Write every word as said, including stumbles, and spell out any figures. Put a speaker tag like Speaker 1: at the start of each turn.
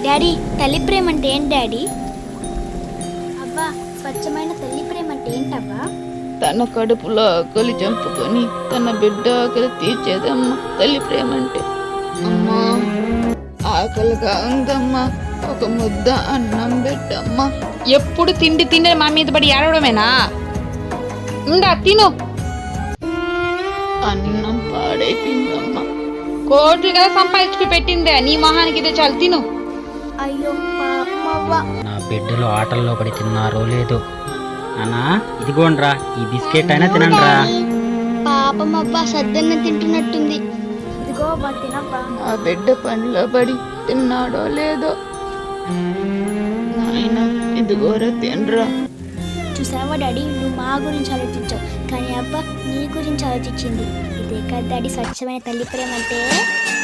Speaker 1: Daddy తల్లి ప్రేమ అంటే ఏంటి డాడీ? అవ్వా స్వచ్ఛమైన తల్లి ప్రేమ అంటే ఏంటవ్వా?
Speaker 2: తన కడుపులో ఆకలి చంపుకొని తన బిడ్డ ఆకలి తీర్చేదమ్మా తల్లి ప్రేమ అంటే. అమ్మా ఆకలిగా ఉందమ్మా, ఒక ముద్ద అన్నం పెట్టమ్మా.
Speaker 3: ఎప్పుడు తిండి తిండి మా మీద పడి ఏడవడమేనా? ఇంకా తిను.
Speaker 2: అన్నం పాడైపోయిందమ్మా.
Speaker 3: కోట్లు కదా సంపాదించుకు పెట్టిందే, నీ మొహానికి ఇదే చాలు, తిను.
Speaker 1: అయ్యో పాపం అవ్వా.
Speaker 4: నా బిడ్డలు ఆటల్లో పడి తిన్నారో లేదో. అన్నా ఇదిగోండ్రా, ఈ బిస్కెట్ అయినా తినండిరా.
Speaker 1: పాపం అవ్వా సద్దన్నం తింటున్నట్టుంది. ఇదిగో అవ్వా తినవ్వా.
Speaker 2: ఆ బిడ్డ పనిలో పడి తిన్నాడో లేదో. నాయన ఇదిగోరా తినరా.
Speaker 1: చూసావా డాడీ, నువ్వు మా గురించి ఆలోచించావు కానీ అబ్బా నీ గురించి ఆలోచించింది. ఇదే కదా డాడీ స్వచ్ఛమైన తల్లి ప్రేమ అంటే.